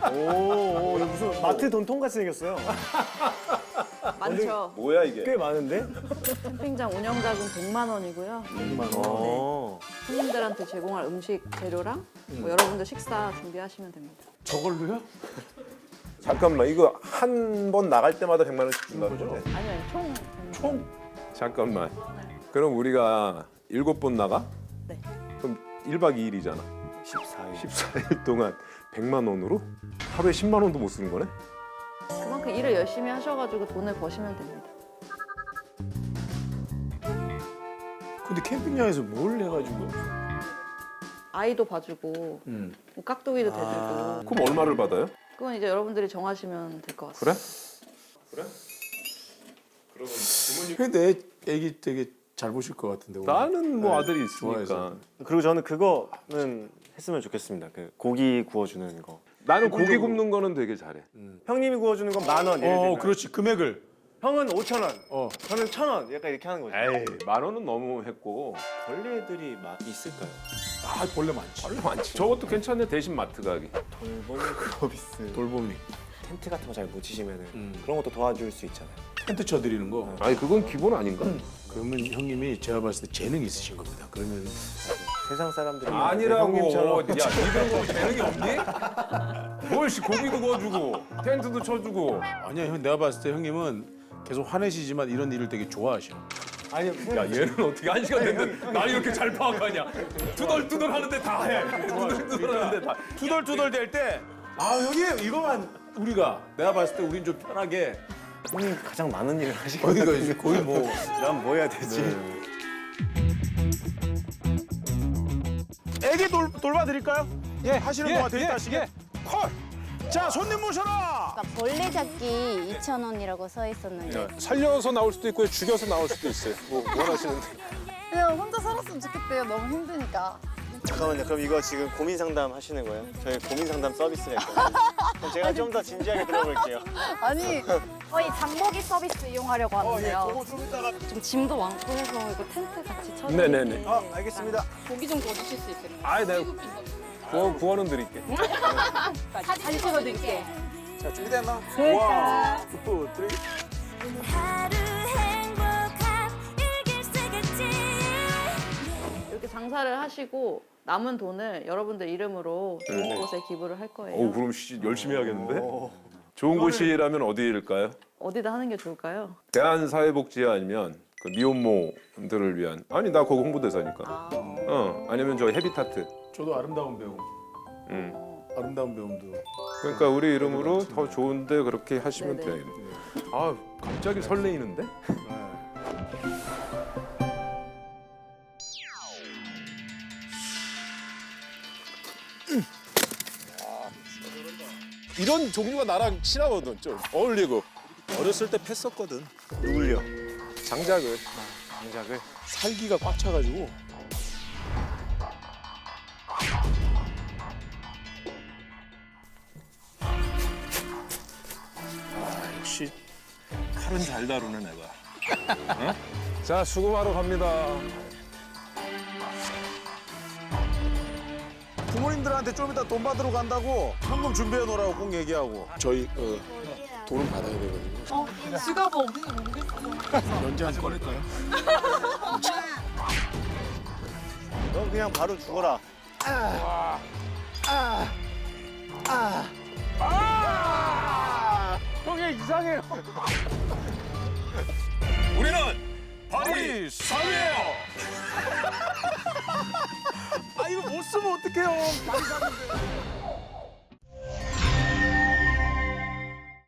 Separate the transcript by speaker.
Speaker 1: 오, 이거 무슨 마트 돈통 같이 생겼어요.
Speaker 2: 많죠.
Speaker 3: 뭐야 이게?
Speaker 1: 꽤 많은데?
Speaker 2: 캠핑장 운영 자금 100만 원이고요.
Speaker 1: 100만 원.
Speaker 2: 네. 손님들한테 제공할 음식 재료랑 뭐 여러분들 식사 준비하시면 됩니다.
Speaker 4: 저걸로요?
Speaker 3: 잠깐만 이거 한 번 나갈 때마다 100만 원씩 준다는 거죠?
Speaker 2: 아니요, 총.
Speaker 4: 총?
Speaker 3: 잠깐만. 그럼 우리가 7번 나가?
Speaker 2: 네.
Speaker 3: 그럼 1박 2일이잖아.
Speaker 1: 14일.
Speaker 3: 14일 동안 100만 원으로 하루에 10만 원도 못 쓰는 거네?
Speaker 2: 그만큼 일을 열심히 하셔가지고 돈을 버시면 됩니다.
Speaker 4: 근데 캠핑장에서 뭘 해가지고?
Speaker 2: 아이도 봐주고 뭐 깍두기도 대주고
Speaker 3: 그럼 얼마를 받아요?
Speaker 2: 그건 이제 여러분들이 정하시면 될 것 같습니다.
Speaker 3: 그래?
Speaker 4: 근데 애기 되게 잘 보실 것 같은데. 오늘.
Speaker 3: 나는 뭐
Speaker 4: 네,
Speaker 3: 아들이 있으니까.
Speaker 4: 좋아해서.
Speaker 1: 그리고 저는 그거는 했으면 좋겠습니다. 그 고기 구워주는 거.
Speaker 3: 나는 고기 굽는 거는 되게 잘해.
Speaker 1: 형님이 구워주는 건 10,000원. 예를 들면.
Speaker 4: 그렇지. 금액을.
Speaker 1: 형은 5,000원.
Speaker 4: 어.
Speaker 1: 저는 1,000원. 약간 이렇게 하는 거죠.
Speaker 3: 에이, 10,000원은 너무 했고.
Speaker 5: 벌레들이 막 있을까요?
Speaker 4: 아, 벌레 많지.
Speaker 3: 별로 많지. 저것도 괜찮네. 대신 마트 가기.
Speaker 1: 돌봄이 서비스.
Speaker 4: 돌봄이.
Speaker 5: 텐트 같은 거 잘 못 치시면은 그런 것도 도와줄 수 있잖아요.
Speaker 4: 텐트 쳐드리는 거.
Speaker 3: 아니 그건 기본 아닌가?
Speaker 4: 그러면 형님이 제가 봤을 때 재능 있으신 겁니다. 그러면
Speaker 1: 세상 사람들이
Speaker 3: 아니라고.
Speaker 1: 형님처럼
Speaker 3: 야, 니들 뭐 재능이 없니? 뭘씨 고기도 구워주고 텐트도 쳐주고.
Speaker 4: 아니야, 형 내가 봤을 때 형님은 계속 화내시지만 이런 일을 되게 좋아하셔.
Speaker 1: 아니
Speaker 3: 야 얘는 어떻게 1시간 됐는데 날 이렇게 잘 파악하냐? 투덜투덜 하는데 다 해. 투덜투덜 하는데 다.
Speaker 4: 투덜투덜 될 때, 아 형님 이거만 우리가 내가 봤을 때 우린 좀 편하게
Speaker 1: 형님 가장 많은 일을 하시고
Speaker 4: 어디가 이제 거의 뭐
Speaker 1: 난 뭐 해야 되지?
Speaker 4: 애기 돌봐드릴까요? 예, 하시는 동안 데이트 하시게. 콜. 자, 손님 모셔라.
Speaker 6: 벌레 잡기 2,000원이라고 써 있었는데
Speaker 3: 살려서 나올 수도 있고 죽여서 나올 수도 있어요. 뭐 원하시는데.
Speaker 7: 그냥 혼자 살았으면 좋겠대요. 너무 힘드니까.
Speaker 1: 잠깐만요. 그럼 이거 지금 고민 상담 하시는 거예요? 저희 고민 상담 서비스가 있거든요. 그럼 제가 좀 더 진지하게 들어볼게요.
Speaker 7: 아니 저희 장보기 서비스 이용하려고 하는데요.
Speaker 2: 좀 짐도 많고 해서 이거 텐트 같이 쳐주세요.
Speaker 3: 네네네.
Speaker 1: 알겠습니다.
Speaker 7: 고기 좀 구워주실 수 있어요?
Speaker 3: 아이 내가 구워는 드릴게.
Speaker 7: 사진 찍어드릴게요.
Speaker 1: 자, 준비됐나?
Speaker 7: 자,
Speaker 6: 하루 행복한 일기쓰겠지
Speaker 2: 이렇게 장사를 하시고 남은 돈을 여러분들 이름으로 좋은 곳에 기부를 할 거예요.
Speaker 3: 어우 그럼 열심히 해야겠는데? 좋은 곳이라면 어디일까요?
Speaker 2: 어디다 하는 게 좋을까요?
Speaker 3: 대한사회복지 아니면 그 미혼모들을 위한 아니 나 거기 홍보대사니까. 아니면 저 헤비타트.
Speaker 4: 저도 아름다운 배움.
Speaker 3: 음.
Speaker 4: 아름다운 배움도.
Speaker 3: 그러니까 우리 이름으로 더 좋은데 그렇게 하시면
Speaker 2: 네네.
Speaker 3: 돼요. 아 갑자기 설레이는데?
Speaker 8: 이런 종류가 나랑 친하거든. 좀 어울리고. 어렸을 때 팼었거든.
Speaker 1: 누굴요?
Speaker 8: 장작을.
Speaker 1: 장작을?
Speaker 8: 살기가 꽉 차가지고.
Speaker 4: 역시 칼은 잘 다루네 내가.
Speaker 3: 자 수금하러 갑니다.
Speaker 8: 부모님들한테 좀 이따 돈 받으러 간다고 현금 준비해 놓으라고 꼭 얘기하고. 저희 돈은 받아야 되거든요.
Speaker 7: 지갑 어딘지 모르겠어.
Speaker 4: 연재한테 꺼낼까요?
Speaker 1: 넌 그냥 바로 죽어라.
Speaker 4: 형이 이상해요.
Speaker 3: 우리는 바리 3이에요.
Speaker 4: 아 이거 못 쓰면 어떡해요? 많이 사는데.